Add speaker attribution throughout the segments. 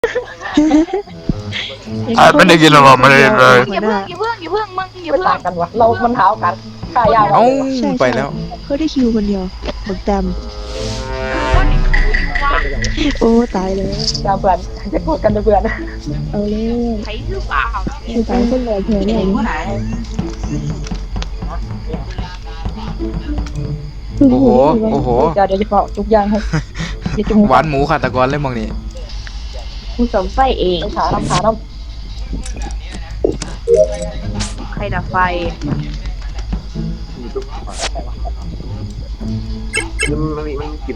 Speaker 1: ไม่ได้กินหรอกไม่ได้เลย
Speaker 2: อย่าเพิ่งมึงอย่า
Speaker 3: ไม่
Speaker 2: เพิ่ง
Speaker 3: ต่างกันวะเรามันเท้ากันขายาว
Speaker 1: เอ้า
Speaker 4: ใช่
Speaker 1: ไปแล้ว
Speaker 4: เขาได้คิวคนเดียวบักแตม
Speaker 2: ก็เด็กเขาอยู่ว่า
Speaker 4: โอ้ตายเลย
Speaker 3: ยาวเพื่อนจะกดกันเพื่อน
Speaker 4: เอาเลย
Speaker 2: ใครหรือเปล่า
Speaker 4: คือตายคนแรกแค่นี้
Speaker 1: โอ้โหโอ้โห
Speaker 3: เดี๋ยวจะบอกทุกอย่างให้จะจุ่ม
Speaker 1: หวานหมูขาตะกอนเลยมองนี่
Speaker 2: กูสมไฟเอง
Speaker 3: ขาน้ำขาน้
Speaker 2: ใครดับไฟ
Speaker 5: มันกิน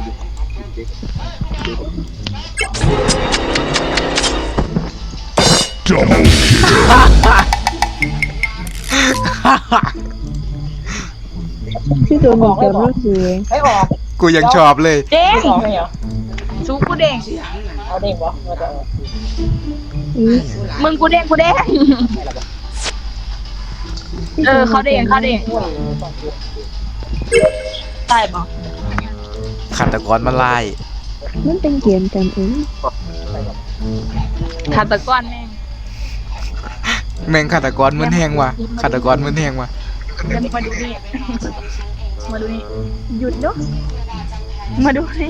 Speaker 4: ที่ตัวบักแตมก็คือ
Speaker 3: ำไม่ออก
Speaker 1: กูยังชอบเลย
Speaker 2: เด้ง
Speaker 3: ไม่ออกไม่เหรอ
Speaker 2: ซูกูเด้ง
Speaker 3: เอาเด้งวะมาจะ
Speaker 2: มึงกูเด้งเขาเด้งตายปะ
Speaker 1: ขาตะกอนมาไล่
Speaker 4: มันเป็นเกมกันเอง
Speaker 2: ขาตะก้อนแม่ง
Speaker 1: แม่งขาตะกอนมึนแหงว่ะขาตะกอนมึนแหงว่ะ
Speaker 2: เดี๋ยวมาดูนี่มาดูนี่หยุดเนาะมาดูนี่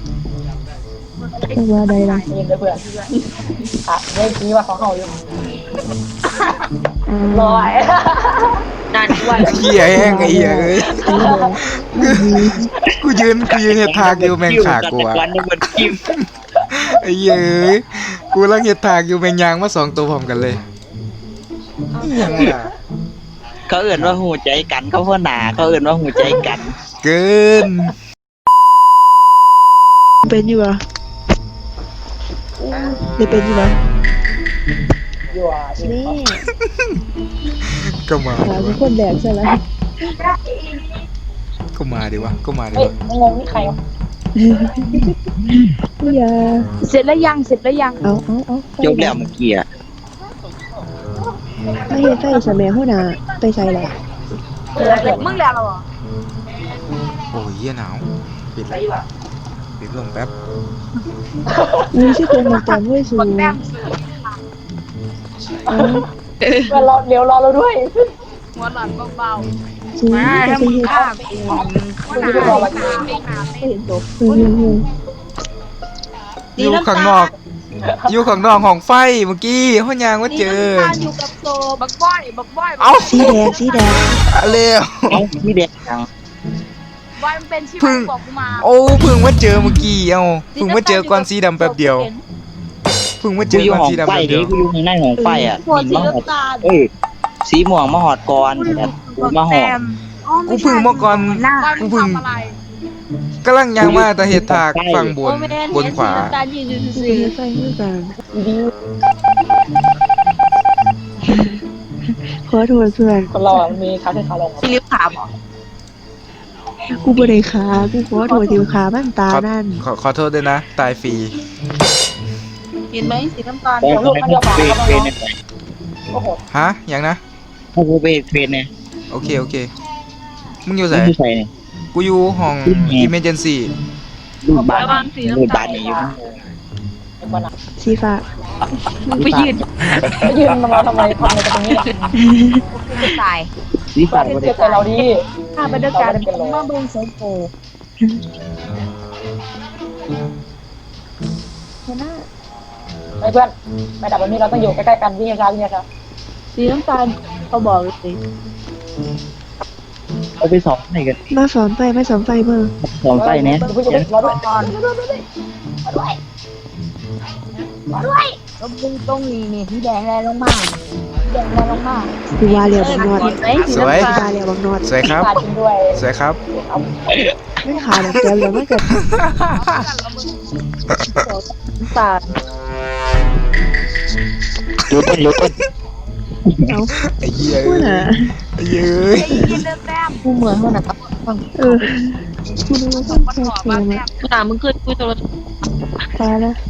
Speaker 4: ตัวใดล่ะ
Speaker 3: ยินเลยเพื่อนขาไม่ชี้ว่าของเขาอยู่ลอย
Speaker 2: นานวัน
Speaker 1: เหี้ยแห้งไอ้เหี้ยเอ้ยกูยืนเห็ดทางอยู่แม่งขากูอ่ะ
Speaker 5: วันนึงมันกิน
Speaker 1: ไอ้เหี้ยเอ้ยกูกำลังเห็ดทางอยู่แม่งยางมา2ตัวพร้อมกันเลยอิหยังล่ะ
Speaker 5: เขาเอื่นว่าหูใจกันเขาพ่อหนาเขาเอื่นว่าหูใจกัน
Speaker 1: เกิน
Speaker 4: เป็นอยู่ปะได้เป็นอยู่ปะ
Speaker 3: อยู่อ่ะ
Speaker 4: นี่
Speaker 1: ก็มา
Speaker 4: ขาเป็นคนแรกใช่แล้ว
Speaker 1: ก็มาดิวะก็มาดิ
Speaker 3: เฮ้ยว
Speaker 1: ะ
Speaker 3: งงนี่ใครวะ
Speaker 4: อย่า
Speaker 2: เสร็จแล้วยัง
Speaker 4: เอา
Speaker 5: ยกแล้วเมื่อกี้อะ
Speaker 4: ไม่เห็นไฟสมัยหัวหน้าไปใส่ละ
Speaker 2: มึงแล้วเหรอ
Speaker 1: โอ้ยเหี้ยหนาวปิดเลยปิดลมแป๊บ
Speaker 4: มีชื่อตัวบักแตมด้วยสู
Speaker 2: บักแต้ม
Speaker 4: เอา
Speaker 3: เพื่อนรอเดี๋ยวรอเราด้วย
Speaker 2: หัวหลอนเบา
Speaker 4: สู
Speaker 2: ๆมา
Speaker 4: จะ
Speaker 2: ถ้า
Speaker 4: ไป
Speaker 2: มึง
Speaker 4: เห็น
Speaker 2: ฆ่ากูเขาหนาไม่เห็นตัว
Speaker 1: อยู่ข้างนอกอยู่ข้างนอกของไฟเมื่อกี้ห้องยางว่าเจอ
Speaker 2: อยู่กับโซบักบ้อย
Speaker 1: เอ้า
Speaker 4: สีแดง
Speaker 1: เร็ว
Speaker 5: เอ้าพี่เด็กจัง
Speaker 2: บ้อยมันเป็นชื่อบอกกูมา
Speaker 1: โอ้เพิ่งมาเจอเมื่อกี้เอ้าเพิ่งมาเจอก่อนสีดำแป๊บเดียวเพิ่งมาเจ
Speaker 5: กู
Speaker 1: อ
Speaker 5: อยู่
Speaker 1: ก่อน
Speaker 5: ห้อง
Speaker 1: สีดำ
Speaker 5: ไฟ
Speaker 1: แป๊บ
Speaker 5: ดิ
Speaker 1: เดียว
Speaker 5: กูอยู่ข้างในห้องไฟอ่ะ
Speaker 2: หัว
Speaker 5: มี
Speaker 2: สี
Speaker 5: มาหอด
Speaker 2: น้ำตาล
Speaker 5: เอ้ยสีม่วงมาหอดก่อนกูมาหอด
Speaker 1: กูเพิ่งมาก่อน
Speaker 2: กูเพิ่งทำอะไร
Speaker 1: กำลังยางมาแต่เห็ดถากฝั่งบนบนขวา
Speaker 2: ตายืน
Speaker 4: ๆสีไฟด้วยกันขอโทษเพื่อน
Speaker 3: คนเราอ่ะมีขาขึ้นขาลง
Speaker 2: สีลิ้วขาบอก
Speaker 4: กูบ่ได้ขากูขอโทษที่ขาบ้านตานั่น
Speaker 1: ขอโทษด้วยนะ ตายฟรี
Speaker 2: เห็นไหมสีน้ำตาล
Speaker 5: แต่เขาให้กูเฟรนเนี่ย
Speaker 3: โอ้โห
Speaker 1: ฮะยังนะ
Speaker 5: ให้กูเฟรนเนี่ย
Speaker 1: โอเคมึงอยู่ไหน
Speaker 5: ไม่ใช่เนี่ย
Speaker 1: กูอยู่ห้อง emergency
Speaker 5: รูปบ้านรูปบ้านนี่อยู่
Speaker 3: มันอ่ะ
Speaker 4: สีฟ้า
Speaker 2: ไปยืน
Speaker 3: ไปยืนมาทำไมทำอะไรกันตรงนี้
Speaker 2: จะตาย
Speaker 5: สีฟ้าก็
Speaker 3: เจ็
Speaker 5: ได้
Speaker 3: บใจเราดี
Speaker 2: ข้าไปด้วยกันมาเบิ้งโซโฟ
Speaker 3: ไอ้เพื่อนไปดับแบบนี้เราต้องอยู่ใกล้ๆกันวิ่งช้า
Speaker 2: สีน้ำตาลเขาบอกเลยสิ
Speaker 5: เอาไปสองไหนกัน
Speaker 4: มาสอนไฟเบอร์
Speaker 5: สองไฟเนี่ย
Speaker 3: ผู้ชมรอด้วย
Speaker 2: ก่อนก็มึงต้องนี่ที่แดงแรงลงมา
Speaker 4: กูว่าเรียวบักนอด
Speaker 1: สวย
Speaker 4: กูว่าเรียวบักนอด
Speaker 1: สวยครับ
Speaker 3: ขาจริงด้วย
Speaker 1: สวยครับ
Speaker 4: ไม่ขาแบบเดียวแล้วมันก็
Speaker 2: ตา
Speaker 5: ยกต้น
Speaker 4: เอา
Speaker 1: ไอ้เหี้ย
Speaker 4: พูดน่ะ
Speaker 1: ไอ้เหี้ย
Speaker 2: ไอ้ยินเดินแต้มกูเหมือนเขาหนัก
Speaker 4: เออกูนึกว่าต้อง
Speaker 2: มัน
Speaker 4: แค่
Speaker 2: ขอ
Speaker 4: เก
Speaker 2: มาม แต้
Speaker 4: อะ
Speaker 2: มมึงเคยคุยโทรศัพท์
Speaker 4: ตายแล้ว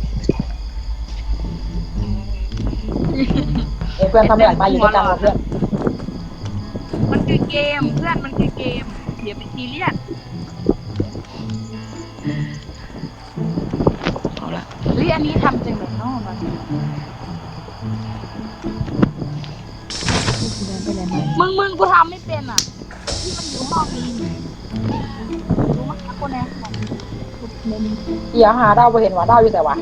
Speaker 3: เพื่อนทำอะไรมาอยู่ด้วยกันเพื่อน
Speaker 2: มันคือเกมเพื่อนมันคือเกมอย่าไปซีเรียส
Speaker 5: เอาละ
Speaker 2: เฮ้ยอันนี้ทำจริงเหรอเนาะมันมึงกูทำไม่เป็นอ่ะที่มันอยู่ห้องนี้รู้มั้ยคนไหนของเมน
Speaker 3: เอียหาดาวไปเห็นว่าดาวอยู่แต่ว่า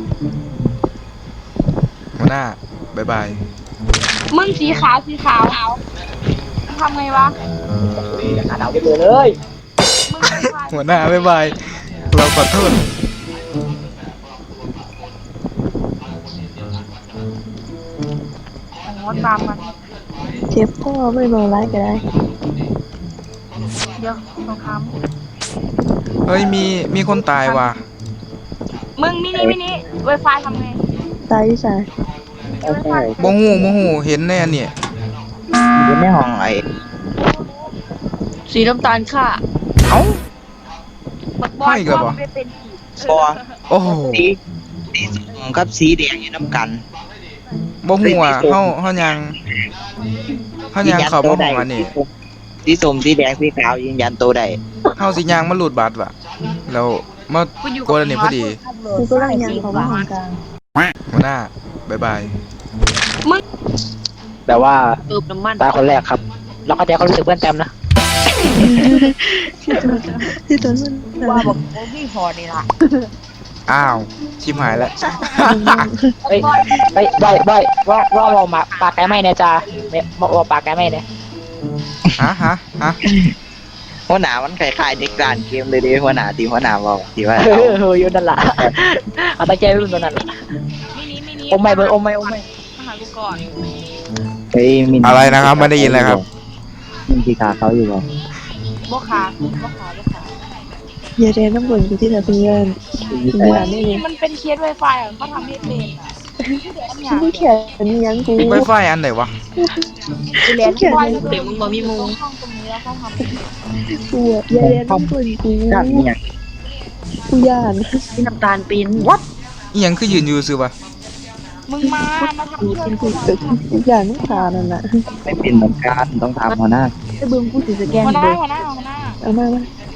Speaker 1: หัวหน้าบ๊ายบาย
Speaker 2: มึงสีขาวทำไงวะ
Speaker 3: หาดาวไปเจอเลย
Speaker 2: มึงเป็นใคร
Speaker 1: หัวหน้าบ๊ายบายเราขอโทษ
Speaker 2: อ๋อตามมัน
Speaker 4: เจ็บพ่อไม่บอกร้ายก็ได้
Speaker 2: เดี๋ยวสงคราม
Speaker 1: เฮ้ยมีคนตายว่ะ
Speaker 2: มึงมินิไวไฟทำไง
Speaker 4: ตายที่สาย
Speaker 2: ไวไฟ
Speaker 1: บ่ฮู้เห็นแน่เนี่ย
Speaker 5: อยู่ในห้องไอ้
Speaker 2: สีน้ำตาลค่ะ
Speaker 1: เอ้า
Speaker 2: บอล
Speaker 1: ให้อีกแล้วเหรอ
Speaker 2: ไม่เป็นผี
Speaker 5: บอ
Speaker 1: โอ้โห
Speaker 5: สีส้มกับสีแดงอยู่น้ำกัน
Speaker 1: บ่ฮู้อ่ะเฮายังเข้าบ่ห้องอันนี้
Speaker 5: สีส้มสีแดงสีขาวยืนยันตัวได้
Speaker 1: เฮาสิย่างมาหลุดบัตรว่ะแล้วมาโกนอันนี้พอดี
Speaker 4: กูก็ร่างยังของห้องกลาง
Speaker 1: หัวหน้าบ๊ายบาย
Speaker 3: แต่ว่า
Speaker 2: เติมน้ำมัน
Speaker 3: ตายคนแรกครับเราเข้าใจเขารู้สึกเพื่อนแต้มนะ
Speaker 4: ที่ตัวมัน
Speaker 2: ว่าบอกโอ้พี่พอนี่ล่ะ
Speaker 1: อ้าวชิบหายแล้ว
Speaker 3: เฮ้ยว่าเรามาปากแกไม่เนี่ยจ้าว่าปากแกไม่เนี่ย
Speaker 1: ฮะ
Speaker 5: หัวหน้ามันคล้ายๆเด็กร้านเกมเลยเดิหัวหน้าทีมหัวหน้าบอกที่ว่า
Speaker 3: อยู่นั่นแหละเอาตาใจรุ่นตัวนั้น
Speaker 2: มินิ
Speaker 3: อมไม่เบอร์อมไม่
Speaker 2: มาหากูก่อน
Speaker 5: เฮ้ยมิน
Speaker 1: อะไรนะครับไม่ได้ยินเลยครับ
Speaker 5: มินที่ขาเขาอยู่บ่
Speaker 2: บ่ขา
Speaker 4: อย่าเรียนน้ำบ่นกูที่ไหนเป็นเงินอย่าไม่
Speaker 2: นี่
Speaker 4: เลย
Speaker 2: มันเป็นเคสไวไฟอ่ะเขาทำไม่เป็นอ่ะ
Speaker 4: ฉันไม่แข็งมียังกู
Speaker 1: ไวไฟอันไหนวะ
Speaker 2: เรียนไฟเดี๋ยวมึงมามีมุงห้องตรงนี้แล้วเขาทำ
Speaker 4: กูอะอย่าเรียนน้ำบ่นกู
Speaker 5: ด้านนี้ยัง
Speaker 4: กูย่าน
Speaker 2: ที่น้ำตาลปีน
Speaker 1: อีหยังคือยืนอยู่ซื่อวะ
Speaker 2: มึงมาทำเพื่อนกู
Speaker 4: กูย่านน้ำตานั่นแหละ
Speaker 5: ไม่เป็นเหมือนกันต้องทำหัวหน้า
Speaker 2: ไอ้เบิ้งกูถือสแกนหัวหน้า
Speaker 4: เอามา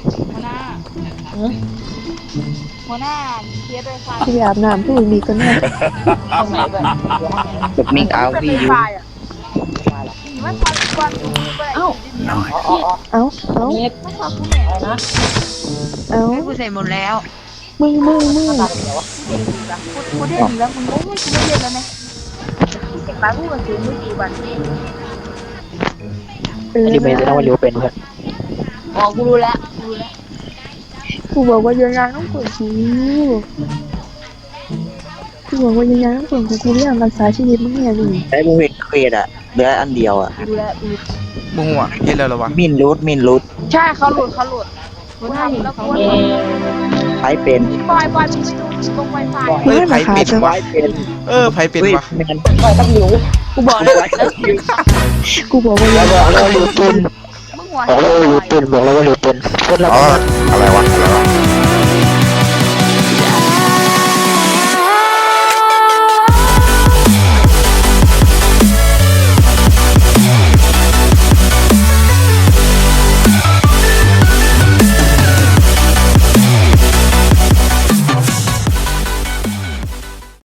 Speaker 2: หัวหน้าเคสไวไฟ
Speaker 4: กูไปอาบน้ำกูมีก็น่า
Speaker 3: เอาไหนด้วย
Speaker 5: แบบมิงเอา
Speaker 2: เป็น
Speaker 5: พี่
Speaker 2: ไว
Speaker 5: อยู่
Speaker 2: ไฟอ่ะไม่พอก่อนเอ้า
Speaker 4: เอาเอา
Speaker 3: นี่
Speaker 2: ไม่พอคุณแม่
Speaker 3: อะไรนะ
Speaker 4: เอา
Speaker 2: กูใส่หมดแล้ว
Speaker 4: มึง
Speaker 2: กูได้ดีแล้วมึงไม่กูไม่เล่นแล้วนะเก็บไปพูดกันถึงไม่กี่วันนี้
Speaker 3: อันนี้เป็นต้องว่าเร็วเป็นเพื่อน
Speaker 2: อ๋อกูรู้แล้ว
Speaker 4: กูบอกว่ายังยังต้องกดกูบอกว่ายังยังต้องกดกูเรื่องรักษาชีวิตมึงเนี่ยนี่
Speaker 5: ได้บุเห็นเควสอะเหลืออันเดียวอะ
Speaker 2: รู้แล้ว
Speaker 1: บ่ฮู้อ่ะเฮ็ดแล้วเหรอวะ
Speaker 5: มินรูด
Speaker 2: ใช่เขาหลุดกูทำแล้วกู
Speaker 5: ใช้เป็น
Speaker 2: บอยมึงไปดูตรงไวไฟ
Speaker 1: เอ้ยไผเป็น
Speaker 5: ใช้
Speaker 1: วะ
Speaker 5: เป็น
Speaker 1: ไผเป็น
Speaker 5: เฮ้ยว
Speaker 1: ะ
Speaker 5: แม่น
Speaker 3: ไม่ต้องหิว
Speaker 2: กูบอกแล้ว
Speaker 4: กูบอกว่ายัง
Speaker 5: บอกแล้วรูดเป็น
Speaker 2: มึงหัว
Speaker 5: บอกแล้วรูดเป็นบอกแล้วว่ารูดเป็นคนละ
Speaker 1: อะไรวะ